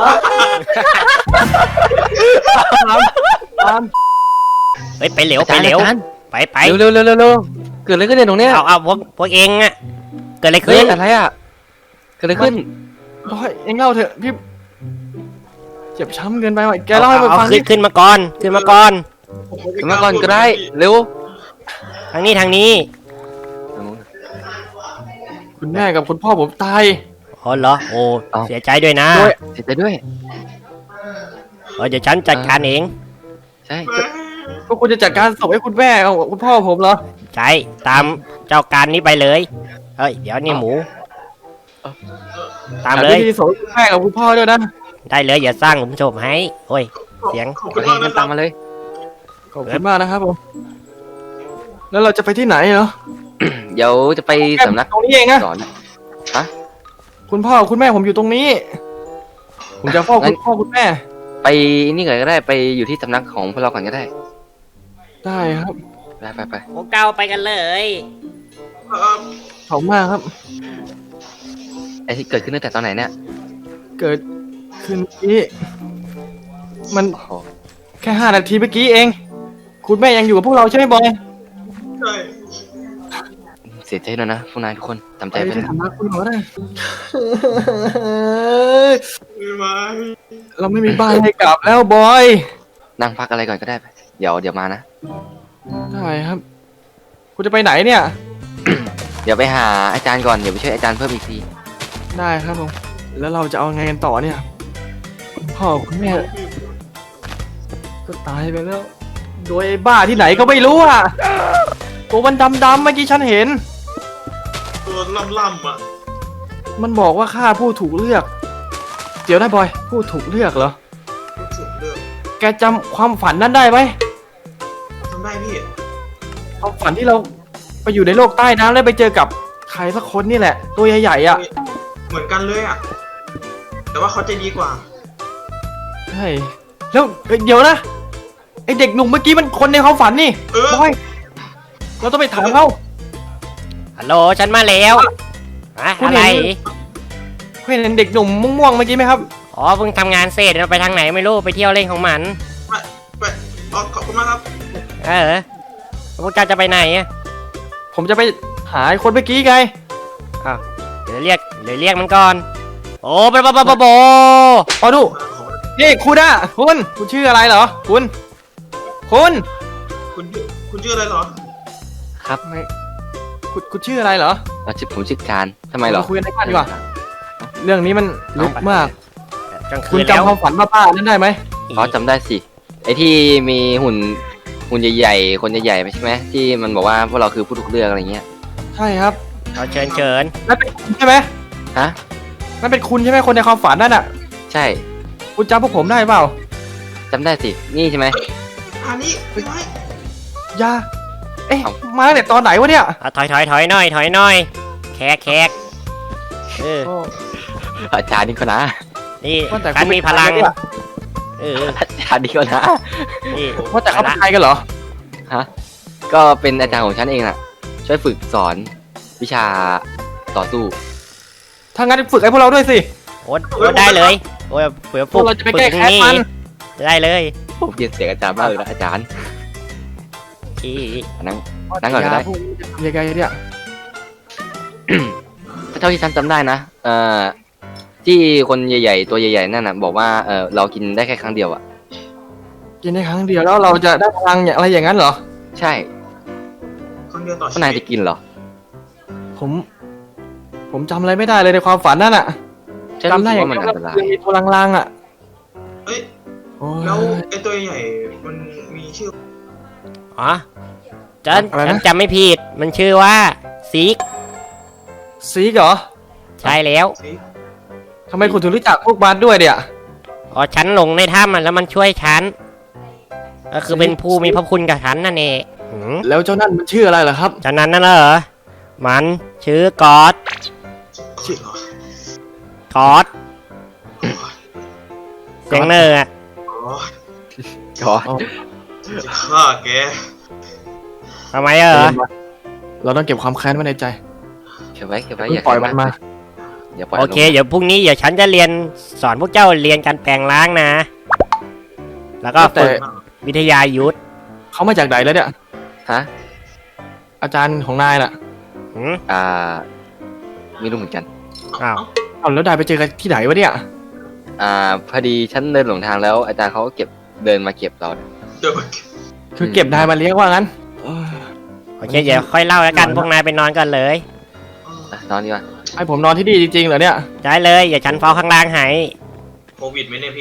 Speaker 3: ตาม
Speaker 2: เฮ้ยไปเร็วไปเร็วไปไป
Speaker 7: เร็วเร็วเร็วเร็วเกิดอะไรขึ้นเนี่ยตรงเนี้ย
Speaker 2: เอาเอาพวกพวกเองอะเกิดอะไร
Speaker 7: เฮ้
Speaker 2: ขึ้
Speaker 7: ย
Speaker 2: น
Speaker 7: อะไรอ่ะเกิดอะไรขึ้น
Speaker 3: บอยเอ็งเล่าเถอะพี่เจ็บช้ำเกินไปว่ะแกเล่าให้มัน
Speaker 2: เอา
Speaker 3: ฟัง
Speaker 2: ขึ้
Speaker 3: ดิ
Speaker 2: นขึ้นมาก่อนขึ้นมาก่อน
Speaker 7: ขึ้นมาก่อนก็ได้เร็ว
Speaker 2: ทางนี้ทางนี้
Speaker 3: คุณแม่กับคุณพ่อผมตาย
Speaker 2: อ๋อเหรอโอ้เสียใจด้วยนะ
Speaker 3: ด้วย
Speaker 7: เสียใจด้วย
Speaker 2: เออเดี๋ยวฉันจัดการเอง
Speaker 7: ใช่
Speaker 3: พวกคุณจะจัดการศพให้คุณแม่กับคุณพ่อผมเหรอ
Speaker 2: ใช่ตามเจ้าการนี้ไปเลยเฮ้ยเดี๋ยวนี่หมู ตามเลย
Speaker 3: ที่ศพให้คุณแม่กับคุณพ่อด้วยนะ
Speaker 2: ได้เลยอย่าสร้างหลุมศพให้โอ้ยเสียง
Speaker 6: ขอบ
Speaker 7: โอ
Speaker 6: คุณ
Speaker 7: เค
Speaker 6: มาก
Speaker 7: งั้
Speaker 6: นะ
Speaker 7: น
Speaker 6: ครั
Speaker 7: ตา
Speaker 6: บ
Speaker 7: มมาเลย
Speaker 3: ขอบคุณมากนะครับผมแล้วเราจะไปที่ไหนเหรอ
Speaker 7: เดี๋ยวจะไปสำนัก
Speaker 3: ตรงนี้เองอะ
Speaker 7: สอน
Speaker 3: คุณพ่อคุณแม่ผมอยู่ตรงนี้ ผมจะเฝ้าคุณพ่อคุณแม่
Speaker 7: ไปนี่ก่อนก็ได้ไปอยู่ที่สำนักของพวกเราก่อนก็ได้
Speaker 3: ได้ครับ
Speaker 7: ไปไปไป
Speaker 2: พวกเก้าไปกันเลย
Speaker 6: เอ่อ
Speaker 3: ขอบคุณมากครับ
Speaker 7: ไอที่เกิดขึ้นตั้งแต่ตอนไหนเนี่ย
Speaker 3: เกิดคืนนี้มัน
Speaker 7: โอ้โห
Speaker 3: แค่ห้านาทีเมื่อกี้เอง คุณแม่ยังอยู่กับพวกเราใช่ไหมบอย
Speaker 6: ใช่
Speaker 7: เสียใจด้วยนะพวกนายทุกคนจำใจ
Speaker 3: ไป
Speaker 7: ไว้
Speaker 3: ที่
Speaker 7: นะ
Speaker 3: สำนักคุณหมอได้
Speaker 6: ไม่ไหว
Speaker 3: เราไม่มีบ้านให้กลับแล้วบอย
Speaker 7: นั่งพักอะไรก่อนก็ได้ไปเดี๋ยวเดี๋ยวมานะ
Speaker 3: ได้ครับ คุณจะไปไหนเนี่ย
Speaker 7: เดี๋ยวไปหาอาจารย์ก่อนเดี๋ยวไปช่วยอาจารย์เพิ่มอีกที
Speaker 3: ได้ครับผม แล้วเราจะเอาไงกันต่อเนี่ยคุณพ่อคุณแม่ก็ตายไปแล้ว โดยไอ้บ้าที่ไหนก็ไม่รู้อ่ะตัวมันดำๆเมื่อกี้ฉันเห็น
Speaker 6: ตัวล่ำๆอ่ะ
Speaker 3: มันบอกว่าข้าผู้ถูกเลือก เดี๋ยวนะบอย ผู้ถูกเลือกเหรอ
Speaker 6: รู้สึกเรื่อง
Speaker 3: แกจำความฝันนั้นได้ไหม
Speaker 6: ทำได้พี่
Speaker 3: ความฝันที่เราไปอยู่ในโลกใต้น้ำแล้วไปเจอกับใครสักคนนี่แหละ ตัวใหญ่ๆอ่ะ
Speaker 6: เหมือนกันเลยอ่ะ แต่ว่าเขาใจดีกว่า
Speaker 3: ใช่แล้วเอ้ยเดี๋ยวนะไอเด็กหนุ่มเมื่อกี้มันคนในความฝันนี่
Speaker 6: เออ
Speaker 3: บอย เราต้องไปถามเขา
Speaker 2: ฮัลโหลฉันมาแล้วอะ
Speaker 3: คุณ
Speaker 2: อะไร
Speaker 3: เห็น เห็นเด็กหนุ่มม่วงๆเมื่อกี้ไหมครับ
Speaker 2: อ๋อเพิ่งทำงานเสร็จเราไปทางไหนไม่รู้ไปเที่ยวเล่นของมัน
Speaker 6: ไปไปอ๋อขอบคุณมากครับ
Speaker 2: เออพวกเจ้าจะไปไหนอะ
Speaker 3: ผมจะไปหาไอ้คนเมื่อกี้ไง
Speaker 2: อ้าวเดี๋ยวเรียกเดี๋ยวเรียกมันก่อน โอ้ปะปะปะปะโบ
Speaker 3: อ๋อดู
Speaker 6: มาขอ
Speaker 3: นี่คุณอะคุณ คุณชื่ออะไรเหรอ คุณ คุณ
Speaker 6: คุณชื่อคุณชื่ออะไรเหรอ
Speaker 7: ครับ
Speaker 3: ไม่คุณคุณชื่ออะไรเหรอ
Speaker 7: เราชื่อผมชื่อการทำไมเหรอ
Speaker 3: เราคุยกันในบ้านดีกว่า เรื่องนี้มันลึกมาก
Speaker 2: กลางคื
Speaker 3: คุณ
Speaker 2: นแล้ว
Speaker 3: จำความฝันป้าๆนั้นได้ไหม
Speaker 7: อ๋อจำได้สิไอที่มีหุ่นหุ่นใหญ่ๆคนใหญ่ๆใช่ไหมที่มันบอกว่าพวกเราคือผู้ถูกเลือกอะไรเงี้ย
Speaker 3: ใช่ครับ
Speaker 2: เอาเชิญเชิญ
Speaker 3: นั่นเป็นคุณใช่ไหม
Speaker 7: ฮะ
Speaker 3: นั่นเป็นคุณใช่ไหมคนในความฝันนั่นอะ
Speaker 7: ใช่
Speaker 3: คุณจำพวกผมได้เปล่า
Speaker 7: จำได้สินี่ใช่ไหม
Speaker 6: อันนี้ไม่ไหว
Speaker 3: อยาเอ๊ะ
Speaker 7: เอ้า
Speaker 3: มาตั้งแต่ตอนไหนวะเนี่ย
Speaker 2: เอาถอยถอยถอยหน่อยถอยหน่อย แขกแขกเออ
Speaker 7: อาจารย์นี่ก็นะ
Speaker 2: นี่
Speaker 3: ว่าแต่
Speaker 2: ฉันมีพลัง
Speaker 3: คุณเป็นใครเนี่ย
Speaker 2: เออ
Speaker 7: อาจารย์นี่ก็นะ
Speaker 2: นี่
Speaker 3: ว่าแต่เขาเป็นใครกันเหรอ
Speaker 7: ฮะก็เป็นอาจารย์ของฉันเองน่ะ ช่วยฝึกสอนวิชาต่อสู้
Speaker 3: ถ้างั้นฝึกให้พวกเราด้วยสิ
Speaker 2: โอ้โอ้ได้เลยโอ้ยเผื่อ
Speaker 3: พวกเราจะไปแก้
Speaker 2: ฝึ
Speaker 3: แค้น
Speaker 2: นี่
Speaker 3: มัน
Speaker 2: ได้เลย
Speaker 7: ผมเรียนเสียงอาจารย์มากเลยนะอาจารย์
Speaker 2: ที่
Speaker 7: นั่ง นั่งก่อนก็ได้
Speaker 3: พวกนี้จะทำยังไงเนี่ย
Speaker 7: เท่าที่ฉันจำได้นะเอ่อที่คนใหญ่ๆตัวใหญ่ๆนั่นน่ะบอกว่าเออเรากินได้แค่ครั้งเดียวอ่ะ
Speaker 3: กินได้ครั้งเดียวแล้วเราจะได้พลังอย่างอะไรอย่างนั้นเหรอ
Speaker 7: ใช่
Speaker 6: ครั้งเดียวต่อ
Speaker 7: พว
Speaker 6: ชี
Speaker 7: กนาย
Speaker 6: วิ
Speaker 7: จะ
Speaker 6: ต
Speaker 7: กินเหรอ
Speaker 3: ผม ผมจำอะไรไม่ได้เลยในความฝันนั่นอะ
Speaker 7: ฉัน
Speaker 3: จำ
Speaker 7: รู้
Speaker 3: ได้
Speaker 7: สึก
Speaker 3: อย่าง
Speaker 7: ว่ามัน
Speaker 3: เดียว
Speaker 7: อันตราย
Speaker 3: ยังมีตัวลางๆอะ
Speaker 6: เอ้ย
Speaker 3: โอ้ย
Speaker 6: แล้วไอ้ตัวใหญ่มันมีชื่อ
Speaker 2: อ๋อฉัน
Speaker 3: อะไรนะ
Speaker 2: ฉันจำไม่ผิดมันชื่อว่าซิก
Speaker 3: ซีกเหรอ
Speaker 2: ใช่แล้ว
Speaker 6: สิ
Speaker 3: ทำไมคุณถึงรู้จักพวกบาสด้วยเนี่ย
Speaker 2: อ๋อฉันหลงในถ้ำมันแล้วมันช่วยฉันก็คือเป็นผู้มีพระคุณกับฉันนั่นเองหืม
Speaker 3: แล้วเจ้านั่นมันชื่ออะไรเหรอครับ
Speaker 2: ฉะนั้นนั่นเหรอมันชื่อกอด
Speaker 6: ชื่อเหรอก
Speaker 2: อดเสียงเนอร์อะ
Speaker 6: อ๋อ
Speaker 7: ก็
Speaker 6: จะฆ่าแก
Speaker 2: ทำไมเออ
Speaker 3: เราต้องเก็บความแค้นไว้ในใจ
Speaker 7: เก็บไว้เก็บไว้
Speaker 3: เพิ่
Speaker 7: อง ย่า
Speaker 3: ปล่อยมันมา
Speaker 7: อย่าปล่อย
Speaker 2: โอ
Speaker 7: มัน
Speaker 2: เค เดี๋ยวพรุ่งนี้เดี๋ยวฉันจะเรียนสอนพวกเจ้าเรียนการแปลงร่างนะ แล้วก็
Speaker 3: แต่
Speaker 2: ฝึกวิทยายุทธ
Speaker 3: เขามาจากไหนแล้วเนี่ย
Speaker 7: ฮะ
Speaker 3: อาจารย์ของนายน่ะ
Speaker 2: หืม
Speaker 7: อ่าไม่รู้เหมือนกัน
Speaker 2: อ้าว
Speaker 3: เอาแล้วนายไปเจอกันที่ไหนวะเนี่ย
Speaker 7: อ่าพอดีฉันเดินหลงทางแล้ว อาจารย์เขาก็เก็บเดินมาเก็บเรา
Speaker 6: เดี๋ยวมัน
Speaker 3: คือเก็บนายมาเลี้ยงว่างั้นเออ
Speaker 2: โอเค เดี๋ยวค่อยเล่าแล้วกันพวกนายไปนอนกันเลย
Speaker 7: อ่ะนอนดีกว่า
Speaker 3: ให้ผมนอนที่นี่จริงๆเหรอเนี่ย
Speaker 2: ได้เลยอย่าฉันเฝ้าข้างล่างให้
Speaker 6: โควิดไหมเนี่ยพี่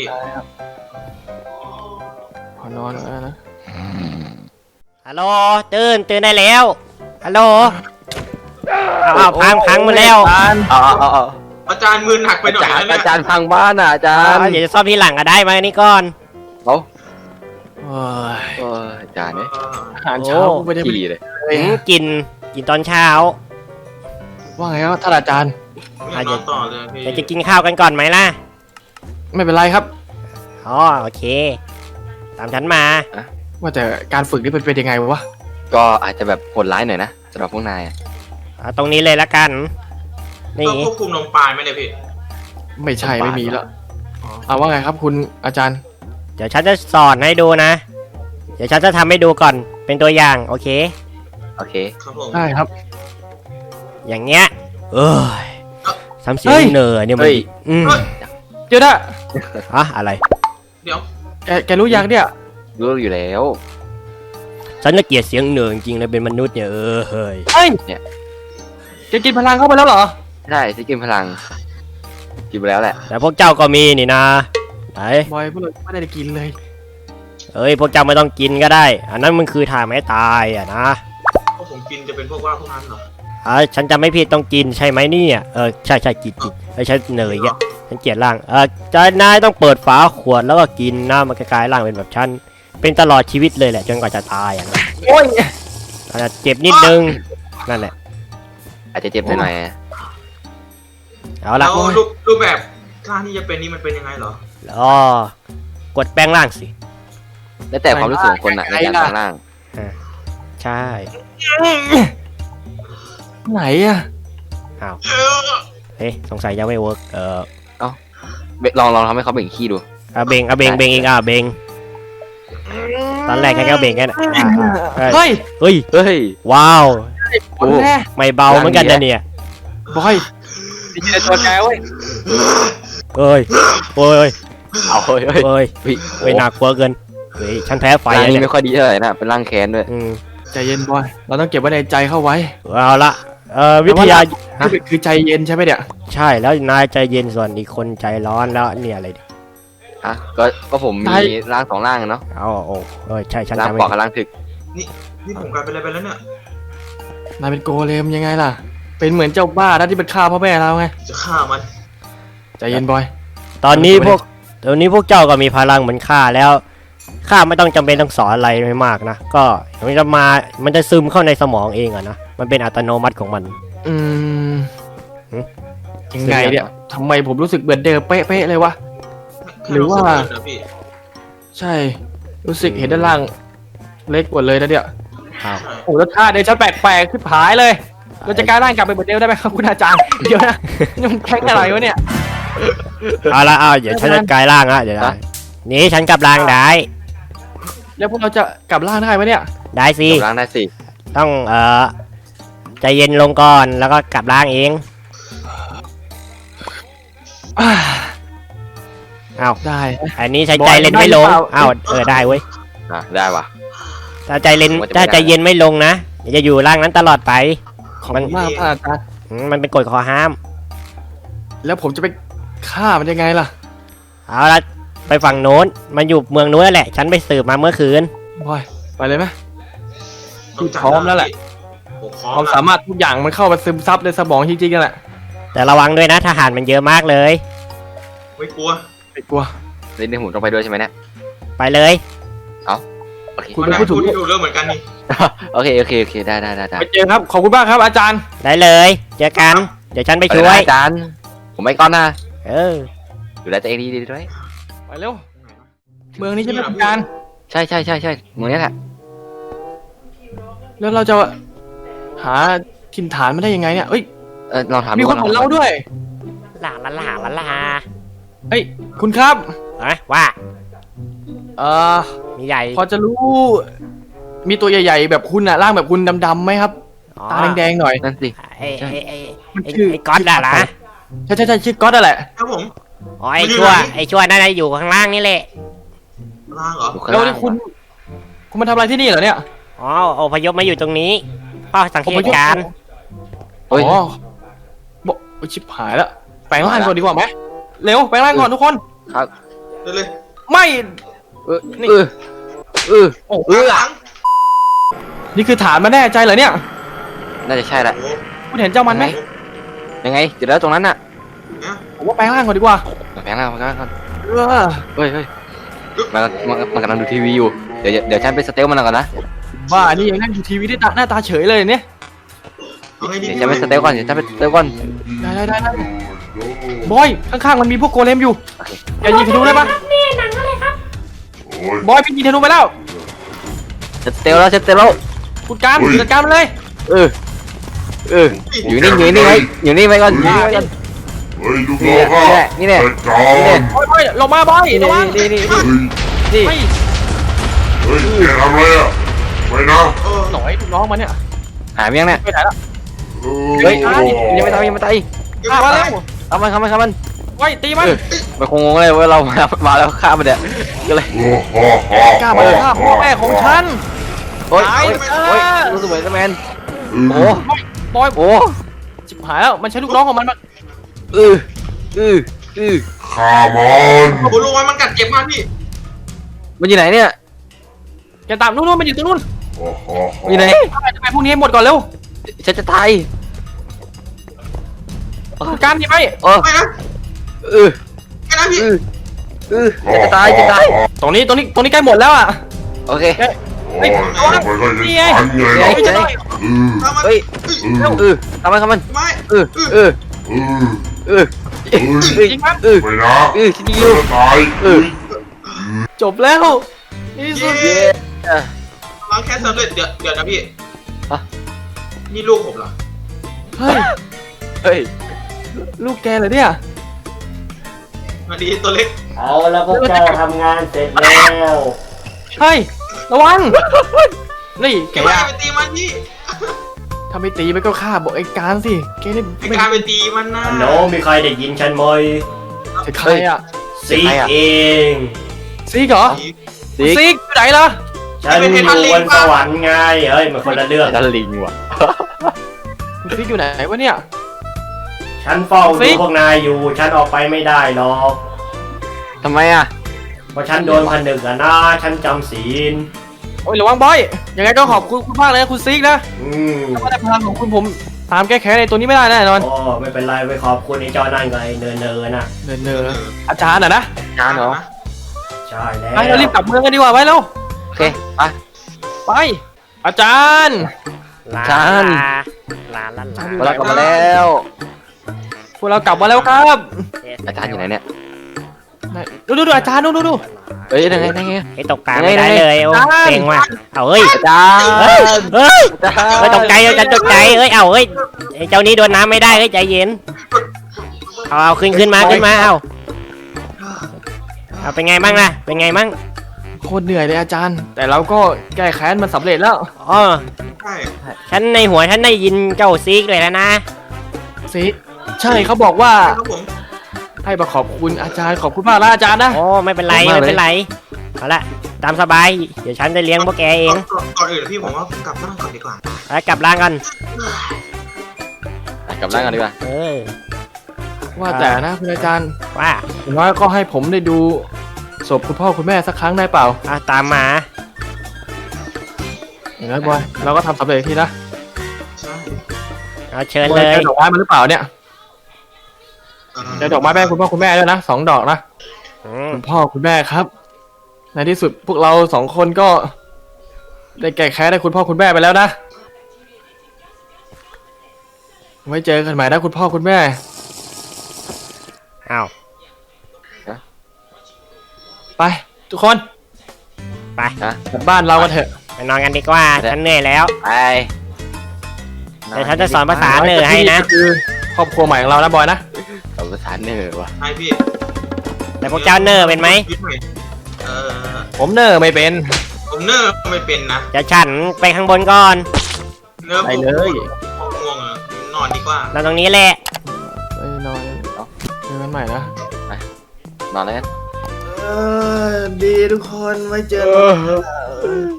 Speaker 3: ขอนอนแล้วนะ
Speaker 2: ฮัลโหลตื่นตื่นได้แล้วฮัลโหลเอาเอาพังพังหมาแล้ว
Speaker 7: เอาเอาเอาเอา
Speaker 6: อาจารย์มือหนักไป
Speaker 7: อา
Speaker 6: หน่อย
Speaker 7: จาร
Speaker 6: นะ
Speaker 7: ย์
Speaker 6: เนี่ย
Speaker 7: อาจารย์พังบ้านอ่ะอาจารย์
Speaker 2: เอาเดี๋ยวจะซ่อมทีหลังก็ได้มานี่ก่อน
Speaker 7: เอา
Speaker 3: โอ้ย
Speaker 7: โอ้ยอาจารย์เนี่ย
Speaker 6: เออ
Speaker 3: อาหารเช้าไม่ได้ไป
Speaker 7: ขี่เลย
Speaker 3: เลย
Speaker 2: หืมกินกินตอนเช้า
Speaker 3: ว่าไงครับท่านอาจารย์
Speaker 6: ผมอยากนอนต่อเลยพี่
Speaker 2: เดี๋ยวจะกินข้าวกันก่อนไหมล่ะ
Speaker 3: ไม่เป็นไรครับ
Speaker 2: อ๋อโอเค ตามฉันมา
Speaker 3: ว่าแต่การฝึกนี่เป็นเป็นยังไงวะ
Speaker 7: ก็อาจจะแบบโหดร้ายหน่อยนะสำหรับพวกนายอะ
Speaker 2: เอาตรงนี้เลยละกัน นี่
Speaker 6: ต้องควบคุมนมปลายไหมเนี่ยพี่
Speaker 3: ไม่ใช่ไม่มีแล้วอ่าว่าไงครับคุณอาจารย์
Speaker 2: เดี๋ยวฉันจะสอนให้ดูนะ เดี๋ยวฉันจะทำให้ดูก่อนเป็นตัวอย่างโอเค
Speaker 7: โอเค
Speaker 6: ครับผม
Speaker 3: ได้ครับ
Speaker 2: อย่างเงี้ยเอ้ยทำเสีย
Speaker 3: เฮ้
Speaker 2: ง
Speaker 3: ย
Speaker 2: เหนื่อยเนี่ยมัน
Speaker 7: เฮ้ย
Speaker 2: อืม
Speaker 3: เดี๋ยวนะ
Speaker 2: อะอะไร
Speaker 6: เดี๋ยว
Speaker 3: แกแกรู้ยังเนี่ย
Speaker 7: รู้อยู่แล้ว
Speaker 2: ฉันน่ะเกลียดเสียงเหนื่อยจริงๆเลยเป็นมนุษย์เนี่ยเออเฮ้ย
Speaker 3: เฮ้ย
Speaker 7: เนี่ย
Speaker 3: แกกินพลังเข้าไปแล้วเหรอ
Speaker 7: ใช่ที่กินพลังกินไปแล้วแหละ
Speaker 2: แต่พวกเจ้าก็มีนี่นะไหน
Speaker 3: บอยพวกเราไม่ได้กินเลย
Speaker 2: เอ้ยพวกเจ้าไม่ต้องกินก็ได้ อันนั้นมันคือทางไม่ตายอ่ะนะ
Speaker 6: พวกผมกินจะเป็นพวกว่าพวกนั้นเหรอ
Speaker 2: อ่าฉันจะไม่ผิดต้องกินใช่ไหมเนี่ยเออใช่ใช่กินกินเออฉันเหนื่อยแกฉันเกลียดร่างเออจะนายต้องเปิดฝาขวดแล้วก็กินนะมันกลายร่างเป็นแบบฉันเป็นตลอดชีวิตเลยแหละจนกว่าจะตายอ่ะนะ
Speaker 3: โอ้ย
Speaker 2: อาจจะเจ็บนิดนึงนั่นแหละ
Speaker 7: อาจจะเจ็บหน่อยๆนะ
Speaker 2: เอา
Speaker 6: แล้
Speaker 2: ละ
Speaker 6: วรูปรูปแบบกล้าที่จะเป็นนี่มันเป็นยังไงเหรอ
Speaker 2: อ๋อกดแปลงร่างสิ
Speaker 7: แล้วแต่ความรู้สึกของคนอะในการแปลงร่าง
Speaker 2: ใช่
Speaker 3: ไหนอะ
Speaker 2: อ้าว
Speaker 6: เออ
Speaker 2: เฮ้ยสงสัยยังไม่เวิร์กเออ
Speaker 7: เบลองลองทำให้เขาเบ่งขี้ดู
Speaker 2: เอาเบงเอาเบงเบงเองอ่ะเบงตอนแรกแค่แค่เบงแค่นั้นอ่ะอ่ะเฮ้ย
Speaker 3: เฮ้ย
Speaker 2: เฮ้ย
Speaker 7: เฮ้ย
Speaker 2: ว้าว
Speaker 3: โอ้แน่
Speaker 2: ไม่เบาเหมือนกันนะเนี่ย
Speaker 3: บอยดีเจตัวแกเว้ย
Speaker 2: เอ้ยโอ้ย
Speaker 7: เอาเฮ้ยเฮ้ย
Speaker 2: เอ้ย
Speaker 7: เฮ้ย
Speaker 2: เฮ้ยหนักกว่าเกินเฮ้ยฉันแพ้ไฟ
Speaker 7: ร่าง
Speaker 2: แล้ว
Speaker 7: นี้
Speaker 2: เนี่ย
Speaker 7: ไม่ค่อยดีเท่าไหร่นะเป็นร่างแค้นด้วย
Speaker 2: อืม
Speaker 3: ใจเย็นบอย เราต้องเก็บไว้ในใจเข้าไว้
Speaker 2: เอาละเอ่อวิทยา ฮะ
Speaker 3: คือคือใจเย็นใช่ไหมเนี่ย
Speaker 2: ใช่แล้วนายใจเย็นส่วนอีกคนใจร้อนแล้วเนี่ยอะไรเนี่ย
Speaker 7: ฮะก็ก็ผมมีร่างสองร่างอะเนาะ
Speaker 2: เอาโอ้เอ้ยใช่ฉัน
Speaker 7: ร่าง
Speaker 2: จำไม่
Speaker 7: ปอกกับร่างถึก
Speaker 6: นี่ผมกลายเป็นอะไรไปแล้วเนี่ย
Speaker 3: นายเป็นโกเลมยังไงล่ะ เป็นเหมือนเจ้าบ้านะที่เป็นฆ่าพ่อแม่เราไง
Speaker 6: จะฆ่ามัน
Speaker 3: ใจเย็นบอย
Speaker 2: ตอนนี้พวกตอนนี้พวกเจ้าก็มีพลังเหมือนข้าแล้วข้าไม่ต้องจำเป็นต้องสอนอะไรไม่มากนะก็มันจะมามันจะซึมเข้าในสมองเองอะนะมันเป็นอัตโนมัติของมัน
Speaker 3: อืม
Speaker 2: หึ
Speaker 3: ยังไงเนี่ยทำไมผมรู้สึกเหมือนเดิมเป๊ะๆเลยวะ หรือว่า
Speaker 6: แค่เสึกเดินนะพี่
Speaker 3: ใช่ รู้สึกเห็นด้านล่างเล็กกว่าเลยนะเนี่ย
Speaker 2: อ้าว
Speaker 3: โอ้แล้วท่าเดินฉันแปลกๆขึ้นผายเลย เราจะกลายร่างกลับไปเหมือนเดิมได้ไหมครับคุณอาจารย์ เดี๋ยวนะนี่มันแข็งอะไรวะเนี่ย
Speaker 2: เอาละเอาเดี๋ยวฉันจะกลายร่างละเดี๋ยวนะนี่ฉันกลับร่างได้
Speaker 3: แล้วพวกเราจะกลับร่างได้ไหมเนี่ย
Speaker 2: ได้สิ
Speaker 7: กับร่างได้สิ
Speaker 2: ต้องเอ่อใจเย็นลงก่อนแล้วก็กลับร่างเอง
Speaker 3: อ่า
Speaker 2: เอา
Speaker 3: ได้
Speaker 2: อันนี้ใช้ใจเล่นไม่ลง
Speaker 3: ได้หรือเปล่า
Speaker 2: เอาเออได้เว้ย
Speaker 7: อ่ะได้ว่ะ
Speaker 2: ถ้าใจเล่น
Speaker 7: ผมว่าจะไม่
Speaker 2: ถ้า
Speaker 7: ได้
Speaker 2: ใจเย็นไม่ลงนะเดี๋ยวจะอยู่ร่างนั้นตลอดไป
Speaker 3: ขอบคุณมากท่านอาจารย์
Speaker 2: อืมมันเป็นกฎข้อห้าม
Speaker 3: แล้วผมจะไปฆ่ามันยังไงล่ะ
Speaker 2: เอาละไปฝั่งโน้นมันอยู่เมืองโน้นแหละ ฉันไปสืบมาเมื่อคืน
Speaker 3: บอย ไปเลยไหม
Speaker 6: ต้องจัด
Speaker 3: พร้อมแล้วแหละ
Speaker 6: ผมพร้อ
Speaker 3: ความ
Speaker 6: ม
Speaker 3: สามารถทุกอย่างมันเข้าไปซึมซับในสมองจริงๆกันแหละ
Speaker 2: แต่ระวังด้วยนะทหารมันเยอะมากเลย
Speaker 6: ไม่กลัว
Speaker 3: ไม่กลัว
Speaker 7: เล่นในหุ่นต้องไปด้วยใช่ไหมเนี่ย
Speaker 2: ไปเลย
Speaker 7: โอเค
Speaker 3: คุณ
Speaker 6: มัน
Speaker 3: เป็นผู้ถูก
Speaker 6: ที่ถูกเรื่องเหมือนกันนี่
Speaker 7: โอเคโอเคโอเคได้ได้ได้ได้
Speaker 3: ไปเจอครับ ขอบคุณมากครับอาจารย์
Speaker 2: ได้เลย เจอกัน เดี๋ยวฉันไป
Speaker 7: ไป
Speaker 2: ช่
Speaker 7: เล
Speaker 2: วย
Speaker 7: นะอาจารย์ผมไม่ก้อนนะ
Speaker 2: เออ
Speaker 7: ดูแลตัวเองดีดีด้วย
Speaker 3: ไปเร็ว เมืองนี้ใช่ไหมอาจารย์
Speaker 7: ใช่ใช่ใช่ใช่เมืองนี้แหละ
Speaker 3: แล้วเราจะหาถิ่นฐานมันได้ยังไงเนี่ยเอ้ย
Speaker 7: เออลองถาม
Speaker 3: มี
Speaker 7: ดู
Speaker 3: คนเหมือนเราด้วย
Speaker 2: ลาลาลาลาลา
Speaker 3: เอ้ย คุณครับ
Speaker 2: ฮะว่า
Speaker 3: เอ่อ
Speaker 2: มีใหญ่
Speaker 3: พอจะรู้ มีตัวใหญ่ๆ แบบคุณอะร่างแบบคุณดำๆไหมครับ ตาแดงๆหน่อย
Speaker 7: นั่นสิ
Speaker 2: ไอ้ไอ้ไอ้
Speaker 3: มัน
Speaker 2: ไอ้
Speaker 3: ชื่อ
Speaker 2: ไอ้ก๊อตอะนะ
Speaker 3: ใช่ใช่ใช่ชื่อก๊อตนั่นแหละ
Speaker 6: ครับผม
Speaker 2: อ๋อไอ้ชั่วไอ้ชั่วนั่นน่ะอยู่ข้างล่างนี่แหละ
Speaker 6: ล่างเหรอ
Speaker 7: อยู่ข้าง
Speaker 3: แล้ว
Speaker 7: ล่าง
Speaker 3: นี่คุณ คุณมาทำอะไรที่นี่เหรอเนี่ย
Speaker 2: อ๋ออพยพมาอยู่ตรงนี้เฝ้าสังเกตการณ์
Speaker 7: เฮ้ย
Speaker 3: อ๋อบอกโอ้ยชิบหายแล้วแปลงร่างก่อนดีกว่าไหมเร็วแปลงร่างก่อนทุกคน
Speaker 7: ครับ
Speaker 6: เร็วเลย
Speaker 3: ไม่
Speaker 7: เออ
Speaker 3: นี่
Speaker 7: เออเออ
Speaker 3: โอ้
Speaker 7: เออ
Speaker 6: หลัง
Speaker 3: นี่คือฐานมาแน่ใจเหรอเนี่ย
Speaker 7: น่าจะใช่แหละ
Speaker 6: โอ้
Speaker 3: คุณเห็นเจ้ามันไหม
Speaker 7: ยังไงเดี๋ยวแล้วตรงนั้นน่ะ
Speaker 6: เนี่ย
Speaker 3: ผมว่าแปลงร่างก่อนดีกว่า
Speaker 7: มาแพงแล้วมาแพงแล้วก่อน
Speaker 3: เออ
Speaker 7: เฮ้ยเฮ้ยมันมันมันกำลังดูทีวีอยู่เดี๋ยวเดี๋ยวฉันไปสเตลมันก่อนนะ
Speaker 3: บ้านี่ยังนั่งดูทีวีได้ตาหน้าตาเฉยเลยเนี่ย
Speaker 6: เอาไงดี
Speaker 7: เดี๋ยวฉันไปสเตลก่อนเดี๋ยวฉันไปสเตลก่อน
Speaker 3: ได้ได้ได้ได้บอยข้างๆมันมีพวกโกเลมอยู่อย่ายิงธนูได้ปะ
Speaker 8: โอ้ย
Speaker 3: บอยพี่ยิงธนูไปแล้ว
Speaker 7: สเตลแล้วสเตลแล้ว
Speaker 3: คุณการจัดการมันเลย
Speaker 7: เออเอออยู่นี่อยู่นี่ไว้อยู่นี่ไว้ก่อนอยู่นี่ไว้ก่อน
Speaker 8: เฮ้ยลูก
Speaker 7: นี่
Speaker 8: น้อง
Speaker 7: แห
Speaker 8: ข้า
Speaker 7: ละนี่แหละ
Speaker 8: จัดการ
Speaker 3: บอยบอยลงมาบอยระวัง
Speaker 7: นี่นี่
Speaker 8: เฮ้ย
Speaker 7: นี่
Speaker 3: ไม่
Speaker 8: เฮ้ยแกทำอะไรอ่ะไม่นะ
Speaker 6: เออ
Speaker 3: หน่อยลูกน้องมันเนี่ย
Speaker 7: หายไปยังเนี่ย
Speaker 3: ไปไหนละ
Speaker 7: เฮ้ยยังไม่ตายยังไม่ตาย
Speaker 3: ฆ่ามาแล้ว
Speaker 7: เอามันฆ่ามันฆ่ามัน
Speaker 3: ไว้ตีมัน
Speaker 7: มันคงงงเลยว่าเรามามาแล้วฆ่ามันเนี่ยก็เลย
Speaker 8: โอ้โหโอ้โห
Speaker 3: กล้ามาฆ่าพ่อแม่ของฉัน
Speaker 7: โอ๊ย
Speaker 3: ตาย
Speaker 7: โอ๊ยโอ๊ยรู้สึกเหมือนแมนโอ้
Speaker 3: บอย
Speaker 7: โอ้
Speaker 3: จิบหายแล้วมันใช้ลูกน้องของมันมา
Speaker 7: เออเออเออ
Speaker 8: ข้ามัน
Speaker 6: คุณรู้ไหมมันกัดเจ็บมากพี่
Speaker 7: มันอยู่ไหนเนี่ย
Speaker 3: แกตามนู่นๆมันอยู่ตรงนู้น
Speaker 8: โอ้โห
Speaker 7: มันอยู่ไหน
Speaker 3: จะไปพวกนี้ให้หมดก่อนเร็ว
Speaker 7: ฉันจะตาย
Speaker 3: การหนีไป
Speaker 7: เออ
Speaker 6: ไม่นะ
Speaker 7: เออ
Speaker 6: ไม่นะพี่
Speaker 7: เออเออฉันจะตายจะตาย
Speaker 3: ตรงนี้ตรงนี้ตรงนี้ใกล้หมดแล้วอ่ะ
Speaker 7: โอเค
Speaker 8: โอ้ยมันก็จะทันไงล่ะ
Speaker 3: ไม่จะได้
Speaker 8: เออ
Speaker 6: ทำมัน
Speaker 7: เฮ้ย
Speaker 8: เออ
Speaker 7: เออทำมันทำมัน
Speaker 6: ไม่
Speaker 7: เออเออ
Speaker 8: เออ
Speaker 7: เออ
Speaker 8: เออ
Speaker 3: จริงมั้ย
Speaker 7: เออ
Speaker 8: ไม่นะ
Speaker 7: เออฉันยิงอ
Speaker 8: จะ
Speaker 7: ยู่
Speaker 8: ตาย
Speaker 7: เออ
Speaker 3: จบแล้วนี่สุด
Speaker 6: เย้
Speaker 7: เออ
Speaker 6: ล้างแค่สำเร็จเดี๋ยวเดี๋ยวนะพี่
Speaker 7: ฮะ
Speaker 6: นี่ลูกผมเหรอ
Speaker 3: เฮ้ย
Speaker 7: เฮ้ย
Speaker 3: ลูกแกเหรอเนี่ย
Speaker 6: มาดีตัวเล็ก
Speaker 2: เอาแล้วพวกเจ้าทำงานเสร็จแล้ว
Speaker 3: เฮ้ยระวังนี่แก
Speaker 6: ไม่
Speaker 3: อะ
Speaker 6: ไปตีมันพี่
Speaker 3: ถ้าไม่ตีมันก็ฆ่าบอกไอ้การสิแกนี่
Speaker 6: ไอการไปตีมันนะ
Speaker 2: ฮัลโหลมีใครได้ยินฉันไหม
Speaker 3: จะใครอ่ะ
Speaker 2: ซีกเอง
Speaker 3: ซีกเหรอ
Speaker 7: ซิก
Speaker 3: ซีกอยู่ไหนล่ะ
Speaker 2: ฉันอยู่บนสวรรค์ไงเฮ้ยมันคนละเรื่อง
Speaker 7: ดันลิงว่ะ
Speaker 3: คุณซีกอยู่ไหนวะเนี่ย
Speaker 2: ฉันเฝ้า
Speaker 3: ซิ
Speaker 2: ดู
Speaker 3: ก
Speaker 2: พวกนายอยู่ ฉันออกไปไม่ได้หรอก
Speaker 7: ทำไมอ่ะ
Speaker 2: เพราะฉันโดนผนึกอะนะ ฉันจำศีล
Speaker 3: โอ้ยระวังบอยยังไงก็ขอบคุณคุณมากเลยนะคุณซีกนะ
Speaker 2: อืม
Speaker 3: ถ้าได้พลังของคุณผมตามแก้แค้นในตัวนี้ไม่ได้แน่นอน
Speaker 2: โอ้ไม่เป็นไรไปขอบคุณไอ้เจ้านั่นกับไอ้เนินเนินๆนะ
Speaker 3: เนินเนออาจารย์อ่ะนะ
Speaker 7: จานเหรอ
Speaker 2: ใช่แล้ว
Speaker 3: ไปเรารีบกลับเมืองกันดีกว่าไปเร็ว
Speaker 7: โอเคไป
Speaker 3: ไป อาจารย์
Speaker 2: ลา
Speaker 7: จาน
Speaker 2: ลาลาลา
Speaker 7: เวลากลับมาแล้ว
Speaker 3: พวกเรากลับมาแล้วครับ
Speaker 7: อาจารย์อยู่ไหนเนี่ย
Speaker 3: ไหนดูดูดูอาจารย์ดูดูดู
Speaker 7: เอ้ยยังไงยังไง
Speaker 2: ไอ้ตกปลาไม่ได้เลยโอ้
Speaker 3: จาน
Speaker 2: เซ็งว่ะเอาเฮ้ย
Speaker 7: อาจารย์
Speaker 2: เฮ้ยเฮ้ย
Speaker 7: อาจารย์
Speaker 2: เฮ้ยตกใจเอ้ยฉันตกใจเอ้ยเอาเฮ้ยไอ้เจ้านี้โดนน้ำไม่ได้เฮ้ยใจเย็นเอาเอาขึ้นขึ้นมาขึ้นมาเอาเอาเป็นไงบ้างล่ะเป็นไงบ้าง
Speaker 3: โคตรเหนื่อยเลยอาจารย์ แต่เราก็แก้แค้นมันสำเร็จแล้ว
Speaker 2: อ๋อ
Speaker 6: ใช่
Speaker 2: ฉันในหัวฉันได้ยินเจ้าซีกเลยแล้วนะ
Speaker 3: สิใช่เขาบอกว่า
Speaker 6: ครับผม
Speaker 3: ให้มาขอบคุณอาจารย์ขอบคุณมากนะอาจารย์นะ
Speaker 2: โอ้ไม่เป็นไรไม่เป็นไรเอาละตามสบายเดี๋ยวฉันจะเลี้ยงพวกแกเอง
Speaker 6: ก่อนก่อนอื่นพี่ผมว่าผมกลับบ้านก่อนดีกว่า
Speaker 2: แล้วกลับร่างกัน
Speaker 7: กลับร่างกันดีกว่า
Speaker 2: เออ
Speaker 3: ว่าแต่นะคุณอาจารย์
Speaker 2: ว่า
Speaker 3: ผมว่าก็ให้ผมได้ดูศพคุณพ่อคุณแม่สักครั้งได้เปล่า
Speaker 2: เอาตามมา
Speaker 3: อย่างนั้นบอยเราก็ทำสำเร็จทีนะ
Speaker 6: ใช่
Speaker 2: เอาเชิญ
Speaker 3: บอ
Speaker 2: เลย ย
Speaker 3: เจอดอกไม้มาหรือเปล่าเนี่ย
Speaker 6: เออ
Speaker 3: เจอดอกไม้แม่คุณพ่อคุณแม่ด้วยนะสองดอกนะ
Speaker 2: อืม
Speaker 3: คุณพ่อคุณแม่ครับ ในที่สุดพวกเราสองคนก็ได้แก้แค้นให้คุณพ่อคุณแม่ไปแล้วนะไว้เจอกันใหม่นะคุณพ่อคุณแม่
Speaker 2: เอา
Speaker 3: ไป ทุกคน
Speaker 2: ไป
Speaker 7: นะ
Speaker 3: กลับบ้านเรากันเถอะ
Speaker 2: ไปนอนกันดีกว่าฉันเหนื่อยแล้ว
Speaker 7: ไป
Speaker 2: เดี๋ยวฉันจะสอนภาษาเหนือให้นะ
Speaker 3: คือครอบครัวใหม่ของเรานะบอยนะ
Speaker 7: เอาภาษาเหนือว่ะ
Speaker 6: ใช่พี่
Speaker 2: แต่พวกเจ้าเนอร์เป็นไหม
Speaker 6: ยึดใหม่เออ
Speaker 3: ผมเนอร์ไม่เป็น
Speaker 6: ผมเนอร์ไม่เป็นนะ
Speaker 2: จะฉันไปข้างบนก่อน
Speaker 6: เนอร์
Speaker 3: ไปเลย
Speaker 6: ผมง่วงอะนอนดีกว่า
Speaker 2: นอนตรงนี้แหละ
Speaker 3: ไปนอนเจอกันใหม่นะ
Speaker 7: นอนแล้วกัน
Speaker 6: เออดีทุกคนไว้เจอ
Speaker 3: เออ